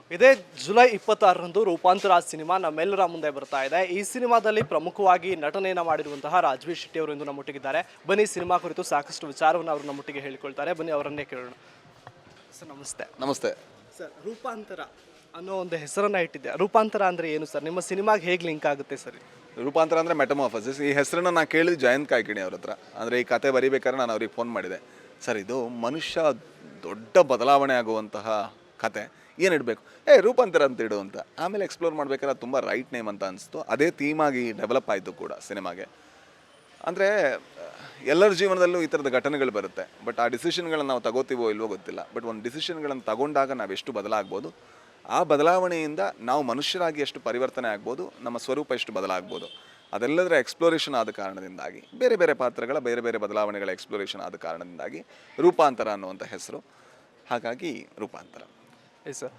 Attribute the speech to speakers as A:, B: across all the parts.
A: ಇದೇ ಜುಲೈ 26ರಂದು ರೂಪಾಂತರ ಸಿನಿಮಾ ನಮ್ಮೆಲ್ಲರ ಮುಂದೆ ಬರ್ತಾ ಇದೆ. ಈ ಸಿನಿಮಾದಲ್ಲಿ ಪ್ರಮುಖವಾಗಿ ನಟನೆಯನ್ನು ಮಾಡಿರುವಂತಹ ರಾಜ್ವೀರ್ ಶೆಟ್ಟಿ ಅವರು ಇಂದು ನಮ್ಮೊಟ್ಟಿಗಿದ್ದಾರೆ. ಬನ್ನಿ ಸಿನಿಮಾ ಕುರಿತು ಸಾಕಷ್ಟು ವಿಚಾರವನ್ನು ಅವರು ನಮ್ಮೊಟ್ಟಿಗೆ ಹೇಳಿಕೊಳ್ತಾರೆ. ಬನ್ನಿ ಅವರನ್ನೇ ಕೇಳೋಣ. ಸರ್ ನಮಸ್ತೆ.
B: ನಮಸ್ತೆ
A: ಸರ್, ರೂಪಾಂತರ ಅನ್ನೋ ಒಂದು ಹೆಸರನ್ನ ಇಟ್ಟಿದ್ದೆ. ರೂಪಾಂತರ ಅಂದರೆ ಏನು ಸರ್? ನಿಮ್ಮ ಸಿನಿಮಾಗೆ ಹೇಗೆ ಲಿಂಕ್ ಆಗುತ್ತೆ ಸರ್?
B: ರೂಪಾಂತರ ಅಂದರೆ ಮೆಟಮಾರ್ಫಸಿಸ್. ಈ ಹೆಸರನ್ನ ನಾನು ಕೇಳಿದ್ದು ಜಯಂತ್ ಕಾಯ್ಕಿಣಿ ಅವ್ರ ಹತ್ರ. ಅಂದರೆ ಈ ಕತೆ ಬರೀಬೇಕಾದ್ರೆ ನಾನು ಅವ್ರಿಗೆ ಫೋನ್ ಮಾಡಿದೆ. ಸರ್, ಇದು ಮನುಷ್ಯ ದೊಡ್ಡ ಬದಲಾವಣೆ ಆಗುವಂತಹ ಕತೆ, ಏನು ಇಡಬೇಕು? ರೂಪಾಂತರ ಅಂತ ಇಡು ಅಂತ. ಆಮೇಲೆ ಎಕ್ಸ್ಪ್ಲೋರ್ ಮಾಡ್ಬೇಕಾದ್ರೆ ಅದು ತುಂಬ ರೈಟ್ ನೇಮ್ ಅಂತ ಅನಿಸ್ತು. ಅದೇ ಥೀಮಾಗಿ ಡೆವಲಪ್ ಆಯಿತು ಕೂಡ ಸಿನಿಮಾಗೆ. ಅಂದರೆ ಎಲ್ಲರ ಜೀವನದಲ್ಲೂ ಈ ಥರದ ಘಟನೆಗಳು ಬರುತ್ತೆ. ಬಟ್ ಆ ಡಿಸಿಷನ್ಗಳನ್ನು ನಾವು ತಗೋತೀವೋ ಇಲ್ವೋ ಗೊತ್ತಿಲ್ಲ. ಬಟ್ ಒಂದು ಡಿಸಿಷನ್ಗಳನ್ನು ತಗೊಂಡಾಗ ನಾವು ಎಷ್ಟು ಬದಲಾಗ್ಬೋದು, ಆ ಬದಲಾವಣೆಯಿಂದ ನಾವು ಮನುಷ್ಯರಾಗಿ ಎಷ್ಟು ಪರಿವರ್ತನೆ ಆಗ್ಬೋದು, ನಮ್ಮ ಸ್ವರೂಪ ಎಷ್ಟು ಬದಲಾಗ್ಬೋದು, ಅದೆಲ್ಲದರ ಎಕ್ಸ್ಪ್ಲೋರೇಷನ್ ಆದ ಕಾರಣದಿಂದಾಗಿ, ಬೇರೆ ಬೇರೆ ಪಾತ್ರಗಳ ಬೇರೆ ಬೇರೆ ಬದಲಾವಣೆಗಳ ಎಕ್ಸ್ಪ್ಲೋರೇಷನ್ ಆದ ಕಾರಣದಿಂದಾಗಿ ರೂಪಾಂತರ ಅನ್ನುವಂಥ ಹೆಸರು. ಹಾಗಾಗಿ ರೂಪಾಂತರ.
A: ಸರ್,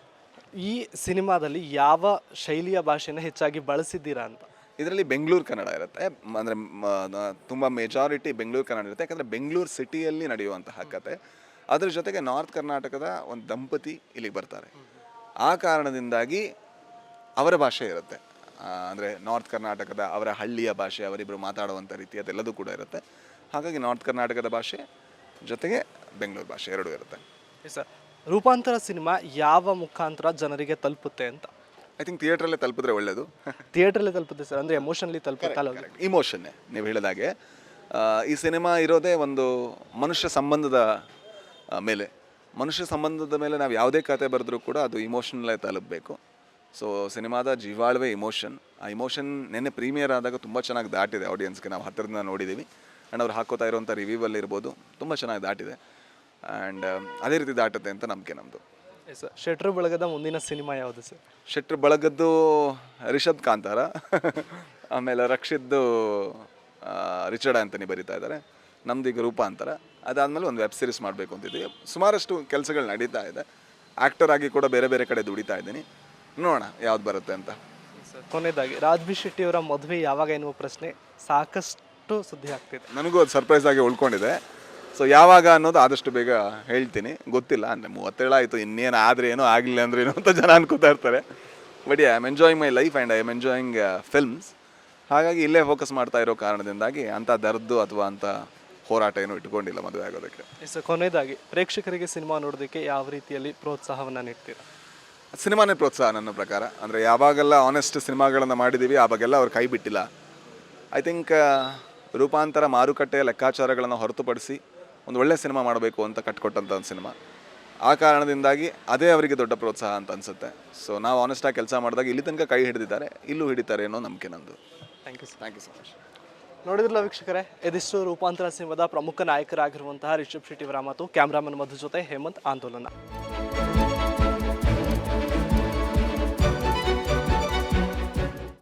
A: ಈ ಸಿನಿಮಾದಲ್ಲಿ ಯಾವ ಶೈಲಿಯ ಭಾಷೆನ ಹೆಚ್ಚಾಗಿ ಬಳಸಿದ್ದೀರಾ ಅಂತ?
B: ಇದರಲ್ಲಿ ಬೆಂಗಳೂರು ಕನ್ನಡ ಇರುತ್ತೆ. ಅಂದರೆ ತುಂಬ ಮೆಜಾರಿಟಿ ಬೆಂಗಳೂರು ಕನ್ನಡ ಇರುತ್ತೆ. ಯಾಕಂದರೆ ಬೆಂಗಳೂರು ಸಿಟಿಯಲ್ಲಿ ನಡೆಯುವಂತಹ ಕತೆ. ಅದ್ರ ಜೊತೆಗೆ ನಾರ್ತ್ ಕರ್ನಾಟಕದ ಒಂದು ದಂಪತಿ ಇಲ್ಲಿಗೆ ಬರ್ತಾರೆ. ಆ ಕಾರಣದಿಂದಾಗಿ ಅವರ ಭಾಷೆ ಇರುತ್ತೆ. ಅಂದರೆ ನಾರ್ತ್ ಕರ್ನಾಟಕದ ಅವರ ಹಳ್ಳಿಯ ಭಾಷೆ, ಅವರಿಬ್ಬರು ಮಾತಾಡುವಂಥ ರೀತಿ ಅದೆಲ್ಲದೂ ಕೂಡ ಇರುತ್ತೆ. ಹಾಗಾಗಿ ನಾರ್ತ್ ಕರ್ನಾಟಕದ ಭಾಷೆ ಜೊತೆಗೆ ಬೆಂಗಳೂರು ಭಾಷೆ ಎರಡೂ ಇರುತ್ತೆ.
A: ಸರ್, ರೂಪಾಂತರ ಸಿನಿಮಾ ಯಾವ ಮುಖಾಂತರ ಜನರಿಗೆ ತಲುಪುತ್ತೆ ಅಂತ?
B: ಐ ಥಿಂಕ್ ಥಿಯೇಟ್ರಲ್ಲೇ ತಲುಪಿದ್ರೆ ಒಳ್ಳೆಯದು.
A: ಥಿಯೇಟ್ರಲ್ಲೇ ತಲುಪುತ್ತೆ ಸರ್, ಅಂದರೆ ಎಮೋಷನ್ಲಿ ತಲುಪುತ್ತಲ್ಲ?
B: ಇಮೋಷನ್ನೇ ನೀವು ಹೇಳಿದಾಗೆ. ಈ ಸಿನಿಮಾ ಇರೋದೇ ಒಂದು ಮನುಷ್ಯ ಸಂಬಂಧದ ಮೇಲೆ. ಮನುಷ್ಯ ಸಂಬಂಧದ ಮೇಲೆ ನಾವು ಯಾವುದೇ ಕತೆ ಬರೆದ್ರೂ ಕೂಡ ಅದು ಇಮೋಷನಲ್ಲೇ ತಲುಪಬೇಕು. ಸೊ ಸಿನಿಮಾದ ಜೀವಾಳವೇ ಇಮೋಷನ್. ಆ ಇಮೋಷನ್ ನೆನ್ನೆ ಪ್ರೀಮಿಯರ್ ಆದಾಗ ತುಂಬ ಚೆನ್ನಾಗಿ ದಾಟಿದೆ ಆಡಿಯನ್ಸ್ಗೆ. ನಾವು ಹತ್ತಿರದಿಂದ ನೋಡಿದ್ದೀವಿ. ಆ್ಯಂಡ್ ಅವ್ರು ಹಾಕೋತಾ ಇರುವಂಥ ರಿವ್ಯೂವಲ್ಲಿ ಇರ್ಬೋದು, ತುಂಬ ಚೆನ್ನಾಗಿ ದಾಟಿದೆ. ಆ್ಯಂಡ್ ಅದೇ ರೀತಿ ದಾಟುತ್ತೆ ಅಂತ ನಂಬಿಕೆ ನಮ್ಮದು.
A: ಸರ್, ಶೆಟ್ರು ಬಳಗದ ಮುಂದಿನ ಸಿನಿಮಾ ಯಾವುದು ಸರ್?
B: ಶೆಟ್ರು ಬಳಗದ್ದು ರಿಷಬ್ ಕಾಂತಾರ, ಆಮೇಲೆ ರಕ್ಷಿದ್ದು ರಿಚರ್ಡ್ ಆ್ಯಂಥನಿ ಬರೀತಾ ಇದ್ದಾರೆ. ನಮ್ದು ಈಗ ರೂಪಾಂತರ. ಅದಾದಮೇಲೆ ಒಂದು ವೆಬ್ ಸೀರೀಸ್ ಮಾಡಬೇಕು ಅಂತಿದ್ದೀವಿ. ಸುಮಾರಷ್ಟು ಕೆಲಸಗಳು ನಡೀತಾ ಇದೆ. ಆ್ಯಕ್ಟರ್ ಆಗಿ ಕೂಡ ಬೇರೆ ಬೇರೆ ಕಡೆ ದುಡಿತಾ ಇದ್ದೀನಿ. ನೋಡೋಣ ಯಾವ್ದು ಬರುತ್ತೆ ಅಂತ.
A: ಕೊನೆಯದಾಗಿ ರಾಜ್ವೀರ್ ಶೆಟ್ಟಿ ಅವರ ಮದುವೆ ಯಾವಾಗ ಎನ್ನುವ ಪ್ರಶ್ನೆ ಸಾಕಷ್ಟು ಸುದ್ದಿ ಆಗ್ತಿದೆ.
B: ನನಗೂ ಅದು ಸರ್ಪ್ರೈಸ್ ಆಗಿ ಉಳ್ಕೊಂಡಿದೆ. ಸೊ ಯಾವಾಗ ಅನ್ನೋದು ಆದಷ್ಟು ಬೇಗ ಹೇಳ್ತೀನಿ. ಗೊತ್ತಿಲ್ಲ, ಅಂದರೆ 37 ಆಯಿತು, ಇನ್ನೇನು ಆದರೆ ಏನೋ ಆಗಲಿಲ್ಲ ಅಂದ್ರೆ ಏನೋ ಅಂತ ಜನ ಅನ್ಕೋತಾ ಇರ್ತಾರೆ. But I am enjoying my life and I am enjoying films. ಹಾಗಾಗಿ ಇಲ್ಲೇ ಫೋಕಸ್ ಮಾಡ್ತಾ ಇರೋ ಕಾರಣದಿಂದಾಗಿ ಅಂಥ ದರ್ದು ಅಥವಾ ಅಂಥ ಹೋರಾಟ ಏನೂ ಇಟ್ಕೊಂಡಿಲ್ಲ ಮದುವೆ ಆಗೋದಕ್ಕೆ.
A: ಸರ್, ಕೊನೆಯದಾಗಿ ಪ್ರೇಕ್ಷಕರಿಗೆ ಸಿನಿಮಾ ನೋಡೋದಕ್ಕೆ ಯಾವ ರೀತಿಯಲ್ಲಿ ಪ್ರೋತ್ಸಾಹವನ್ನು ನೀಡ್ತೀರಾ?
B: ಸಿನಿಮಾನೇ ಪ್ರೋತ್ಸಾಹ ನನ್ನ ಪ್ರಕಾರ. ಅಂದರೆ ಯಾವಾಗೆಲ್ಲ ಆನೆಸ್ಟ್ ಸಿನಿಮಾಗಳನ್ನು ಮಾಡಿದ್ದೀವಿ ಆವಾಗೆಲ್ಲ ಅವ್ರು ಕೈ ಬಿಟ್ಟಿಲ್ಲ. ಐ ಥಿಂಕ್ ರೂಪಾಂತರ ಮಾರುಕಟ್ಟೆಯ ಲೆಕ್ಕಾಚಾರಗಳನ್ನು ಹೊರತುಪಡಿಸಿ ಒಂದು ಒಳ್ಳೆಯ ಸಿನಿಮಾ ಮಾಡಬೇಕು ಅಂತ ಕಟ್ಕೊಟ್ಟಂಥ ಒಂದು ಸಿನಿಮಾ. ಆ ಕಾರಣದಿಂದಾಗಿ ಅದೇ ಅವರಿಗೆ ದೊಡ್ಡ ಪ್ರೋತ್ಸಾಹ ಅಂತ ಅನಿಸುತ್ತೆ. ಸೊ ನಾವು ಆನೆಸ್ಟಾಗಿ ಕೆಲಸ ಮಾಡಿದಾಗ ಇಲ್ಲಿ ತನಕ ಕೈ ಹಿಡಿದಿದ್ದಾರೆ, ಇಲ್ಲೂ ಹಿಡಿತಾರೆ ಅನ್ನೋ ನಂಬಿಕೆ ನಂದು.
A: Thank you
B: so much.
A: ನೋಡಿದ್ರಲ್ಲ ವೀಕ್ಷಕರೇ, ಇದಿಷ್ಟು ರೂಪಾಂತರ ಸಿನಿಮಾದ ಪ್ರಮುಖ ನಾಯಕರಾಗಿರುವಂತಹ ರಿಷಬ್ ಶೆಟ್ಟಿ ಅವರ ಮಾತು. ಕ್ಯಾಮ್ರಾಮನ್ ಮಧು ಜೊತೆ ಹೇಮಂತ್, ಆಂದೋಲನ.